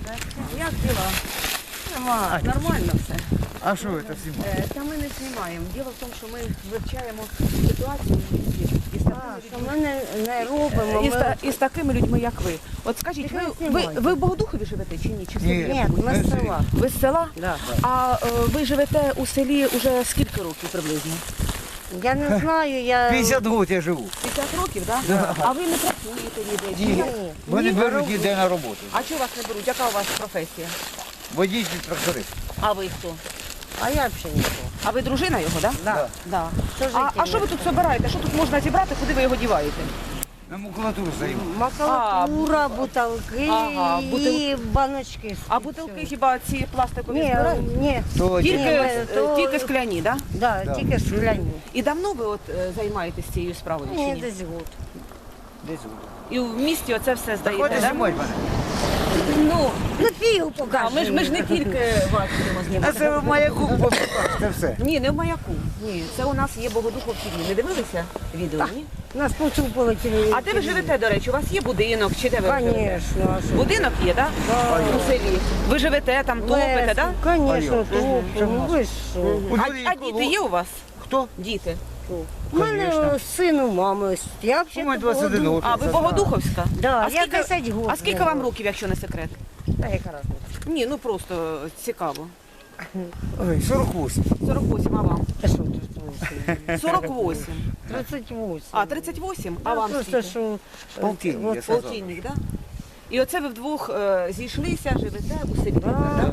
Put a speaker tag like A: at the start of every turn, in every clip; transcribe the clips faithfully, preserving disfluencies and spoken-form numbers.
A: Як діла? Нема, нормально все.
B: А що ви це знімаєте?
A: Е, Та ми не знімаємо. Діло в тому, що ми вивчаємо ситуацію в місті із такими
C: Що
A: людьми.
C: ми не, не робимо.
A: Із, та- із такими людьми, як ви. От скажіть,
C: Тільки
A: ви,
C: не
A: ви,
C: знімайте.
A: ви в Богодухові живете чи ні? Чи в селі?
B: Ні.
C: Ні, ми
B: Ми
C: з села.
A: Ви з села?
C: Да.
A: А е, ви живете у селі уже скільки років приблизно?
C: Я не знаю, я...
B: п'ятдесят років я живу.
A: п'ятдесят років, так?
B: Да.
A: А ви не працюєте ніде? чи
B: Ні.
A: як?
B: Вони
A: Ні,
B: беруть
A: ви
B: ніде на роботу.
A: А чого вас не беруть? Яка у вас професія?
B: Водій тракторист.
A: А ви хто?
C: А я взагалі нічого.
A: А ви дружина його, так?
C: Да.
A: Да.
C: Що
A: А,
C: жити
A: а що ви тут збираєте? Що тут можна зібрати, куди ви його діваєте?
B: На макулатуру займаю.
C: Макулатура, бутилки
A: Ага, бутил-
C: і баночки.
A: А бутилки хіба ці пластикові
C: Ні,
A: збирають?
C: ні,
B: То
A: Тільки,
C: Ні,
A: е,
C: ми- то-
A: тільки скляні, так?
C: да,
B: Да.
C: тільки скляні.
A: І давно ви от е, займаєтесь цією справою? Чи
C: Ні,
A: ні?
C: десь год.
B: десь буде.
A: І в місті оце все
B: Так
A: здаєте,
B: хватить
A: так?
B: знімати мене.
A: Ну,
C: Ну, фігу
A: а,
C: покажи.
A: ми, ж, ми ж не тільки вас будемо
B: А
A: знімати.
B: це в маяку побачите все.
A: Ні, не в маяку. Ні, це у нас є Богодухов ті ві. Не дивилися відео, ні?
C: Нас поцупили телевізор.
A: А де ви живете, до речі? У вас є будинок чи де ви живете?
C: Звісно. а що?
A: Будинок є, так?
C: Да.
A: У селі. Ви живете там, топите, так?
C: Звісно,
B: А я?
C: топимо. Ну ви що?
B: У
A: А,
B: людей
A: а
B: коло-
A: діти є у вас?
B: Хто?
A: Діти.
C: У мене син у мами. ось. Я
B: У мене
C: взагалі
B: двадцять один років.
A: А, ви Богодуховська?
C: Да,
A: А
C: я
A: скільки-
C: десять років.
A: А скільки вам років, якщо не секрет?
C: Та яка разниця?
A: Ні, ну просто цікаво.
B: Ой, сорок вісім.
A: сорок вісім, а вам?
C: Та що тут?
A: сорок вісім.
C: тридцять вісім.
A: А, тридцять вісім? А
C: Ну,
A: вам
C: просто
A: скільки?
C: що...
B: Полтинник,
C: от-
B: я сказав.
A: Полтинник, так? І оце ви вдвох е, зійшлися, живете у селі.
C: Да.
A: так?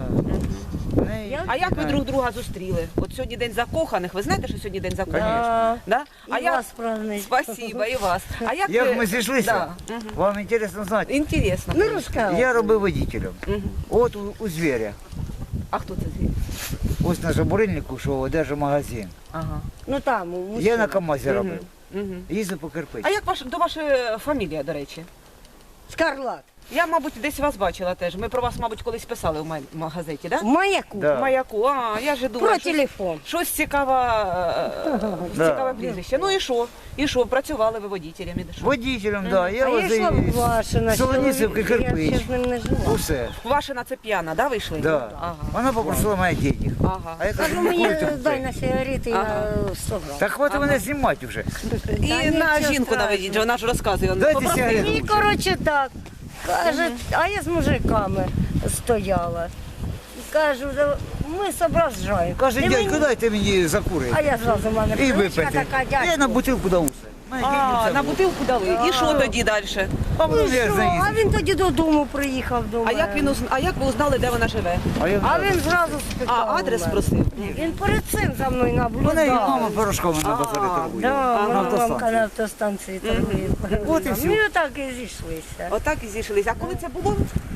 B: Не-
C: Я-
A: А як ви друг друга зустріли? От сьогодні день закоханих. Ви знаєте, що сьогодні день закоханих?
C: Да.
A: Да? А
C: І
A: як...
C: вас празднують.
A: Спасибо, і вас. А як,
B: Як
A: ви...
B: ми зійшлися?
A: Да. Мгм.
B: Вам інтересно знати?
A: Інтересно.
C: Ну, розказуй.
B: Я робив водителем.
A: Мгм.
B: От у, у звіря.
A: А хто це звідси?
B: Ось на Жабурильнику, що одержав магазин.
A: Ага.
C: Ну там, у
B: Я
C: мужчини.
B: на КамАЗі робив.
A: Мгм.
B: Їздив по кирпичі.
A: А як ваш, до ваша фамілія, до речі?
C: Скарлат.
A: Я, мабуть, десь вас бачила теж. Ми про вас, мабуть, колись писали в ма- в газеті, так?
C: В маяку.
B: Да.
A: В маяку. А, я ж думаю,
C: Про
A: що
C: телефон.
A: щось цікаве, е,
B: Да.
A: цікаве прізвище. Ну і що? І що? Працювали ви водителями? і що?
B: Водителем, так. Да. Я
C: а я йшла
B: возив
C: в Вашина.
B: Солонісівки,
C: Я ще
B: кирпич.
C: з ним не жила.
B: Усе.
A: Ваша це п'яна, да, вийшли?
B: Да.
A: Ага.
B: Вона попросила мене денег.
A: Ага.
B: А я кажу,
C: Кажу,
B: ну
C: мені
B: курите
C: дай
B: це.
C: на сигарети
A: Ага.
C: на сто грам.
B: Так хватить мене знімати вже.
A: І
C: Та
A: на
C: нічого
A: жінку
C: страшного.
A: наведіть, вона ж розказує.
B: Дайте
A: Попросили.
B: сигарету.
C: І, коротше, так. Каже, а я з мужиками стояла. І кажу, «Да ми зображаємо.
B: Каже,
C: Ти
B: дядько,
C: мені-
B: дайте мені закурити.
C: А я зразу в мене
B: І
C: привичка
B: випити.
C: така,
B: Я на
C: дядько.
B: бутилку дав усе. Мене деньги
A: А,
B: це
A: на
B: було.
A: бутилку дали. І що тоді далі?
B: А
C: Ну,
B: потім я
C: що?
B: заїздив.
C: А він тоді додому приїхав до
A: А
C: мене.
A: як він узна- а як ви узнали, де вона живе?
B: А я
C: А він зразу спитав.
A: А, адрес
C: у мене.
A: просив?
C: Він перед цим за мною наблюдав.
B: Мене і мама порошками на базарі
A: А,
B: торгує.
C: Да,
A: Ага.
C: моя
B: автостанції.
C: мамка на автостанції торгує.
B: От і все.
C: Ми отак і зійшлися.
A: Отак і зійшлися. А коли це було?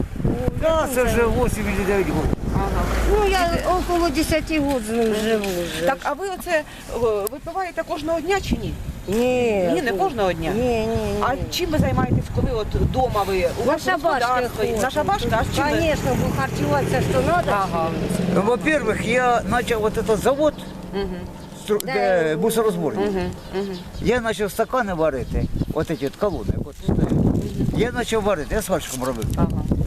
B: Да, це вже вісім чи дев'ять років.
A: Ага.
C: Ну, я около десять років з ним живу вже.
A: Так, а ви оце о, випиваєте кожного дня чи ні?
C: Ні.
A: Ні, не кожного дня.
C: Ні, ні, ні.
A: А чим ви займаєтесь, коли от вдома ви у
C: На
A: вас
C: шабашки
A: господарство?
C: ходимо.
A: На шабашки, а з чим ви?
C: Конечно, бо харчуватися що треба.
A: Ага.
B: Ну, во-первых, я почав вот этот завод,
A: Мгм.
B: стру- де мусорозборник.
A: Мгм. Мгм.
B: Я почав стакани варити, от ці от колони, от стоять. Я почав варити, я сварщиком робив.
A: Ага.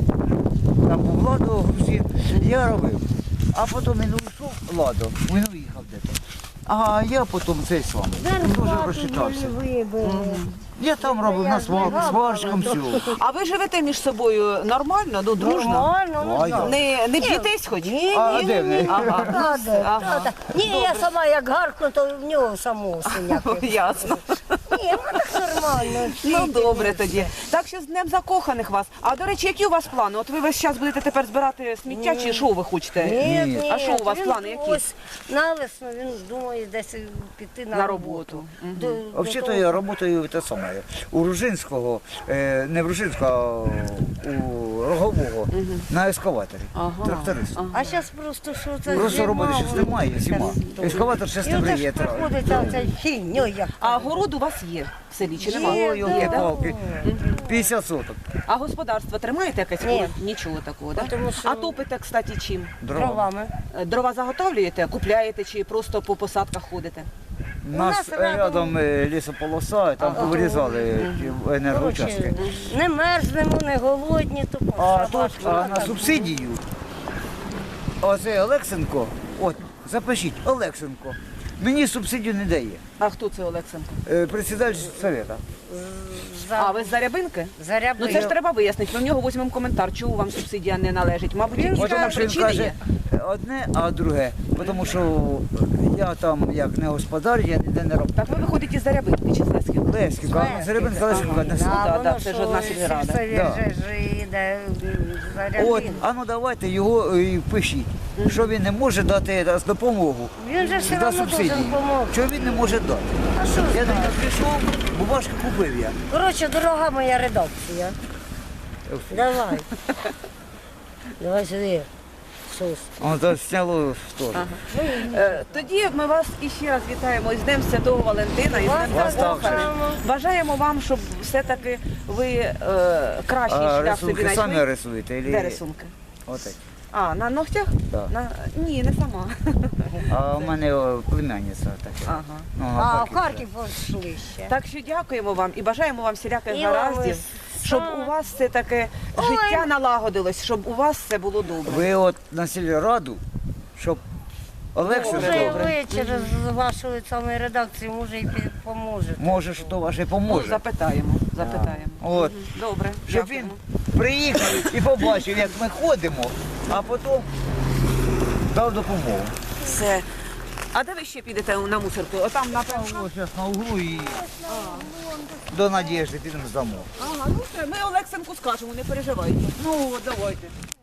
B: Там був Ладо, грузин, я робив. А потім він уйшов, Ладо, він уїхав десь. А я потім цей з вами. Дуже розчитався.
C: вибили.
B: Я там робив на сварку, сварщиком все.
A: А ви живете між собою нормально, ну дружно?
C: Нормально, ну
B: А я?
C: так.
A: Не, не б'єтесь хоч?
C: Ні,
B: А
C: ні,
B: де
C: ні,
B: ви?
C: ні.
A: Ага.
C: Та де,
A: Ага.
C: та де. Ні, я сама як гаркну, то в нього самого синяки.
A: Ясно.
C: Ні, ну так нормально.
A: Ну добре тоді. Так що з Днем закоханих вас. А до речі, які у вас плани? От ви весь час будете тепер збирати сміття, чи що ви хочете?
C: Ні,
B: Ні.
C: ні.
A: А що у вас
C: Він
A: плани які?
C: Ось на весну він думає десь піти на,
A: На
C: роботу.
A: роботу. Мгм.
C: До- до
B: Взагалі-то
C: того-
B: я працюю те саме. У Ружинського, е, не в Ружинського, а у Рогового, на ескаваторі.
A: Ага.
B: Тракторист.
A: Ага.
C: А зараз просто що це
B: Просто
C: зима,
B: роботи зараз
C: воно
B: немає, зима.
C: таке.
B: Ескаватор ще
C: І оце
B: стемріє.
C: ж приходиться оця фігньо, як
A: А город у вас є в селі чи немає?
C: Є,
B: Ой,
C: да.
B: йолки палки п'ятдесят соток.
A: А господарство тримаєте якесь?
C: Ні.
A: Нічого такого, так?
C: Тому що-
A: А топите, кстати, чим?
B: Дрова.
C: дровами.
A: Е, Дрова заготовлюєте, купляєте чи просто по посадках ходите?
B: У нас рядом е, лісополоса, там повирізали ті енергоучастки.
C: Коротше, не мерзнемо, не голодні, то
B: А тут а на субсидію, оце Олексенко, от, запишіть, Олексенко, мені субсидію не дає.
A: А хто це Олексенко?
B: Е, Председатель совета.
A: А, ви з Зарябинки?
C: Заряби.
A: Ну це ж треба вияснити. Ми в нього візьмемо коментар, чому вам субсидія не належить. Мабуть,
C: Він
A: якісь
B: От тому що він
A: причини
B: каже
A: є.
B: одне, а друге. Тому що я там як не господар, я ніде не роблю.
A: Так ви виходите із Зарябинки чи з Леськів?
B: Леськівка, а Заребинська Леськівка одне село.
A: да, да, це ж одна сільрада.
B: Да.
C: Йде
B: От,
C: Зарябин.
B: а ну давайте його і пишіть, що він не може дати раз допомогу
C: Він же все
B: за
C: одно
B: субсидії.
C: должен допомогти.
B: Чого він не може дати?
C: А що
B: Я до
C: знаю?
B: нього прийшов, бумажку купив я.
C: Коротше, дорога моя редакція. Давай. Давай сюди. Сус.
B: Он то сняло теж.
A: Е, Тоді ми вас іще раз вітаємо із Днем Святого Валентина, із
C: Вас
A: Днем
B: так
A: Закоханих.
C: само.
A: Бажаємо вам, щоб все-таки ви е, кращий
B: А
A: шлях собі
B: рисунки самі
A: знайшли.
B: рисуєте?
A: Де
B: Или...
A: рисунки?
B: Отак.
A: А, на ногтях?
B: Так.
A: На... Ні, не сама.
B: А у мене о, племянниця така.
A: Ага.
B: Ну,
C: А, в
B: Харків.
C: Харків пішли ще.
A: Так що дякуємо вам і бажаємо вам всіляких
C: І вам
A: гараздів,
C: ось
A: щоб
C: саме.
A: у вас все таке життя налагодилось, щоб у вас все було добре.
B: Ви от на сільраду, щоб Олексій
C: Може, і
B: добре,
C: ви через вашу саме редакцію, може, і пі- поможете.
B: може, що ваше
A: Ну,
B: поможе.
A: запитаємо, запитаємо.
B: От.
A: Мгм. Добре,
B: Щоб
A: дякуємо.
B: він приїхав і побачив, як ми ходимо, а потім дав допомогу.
A: Все. А де ви ще підете на мусорку? Отам напевно.
B: Ось зараз на углу і до Надєжди підемо здамо.
A: Ага, ну все, ми Олексенку скажемо, не переживайте.
B: Ну, давайте.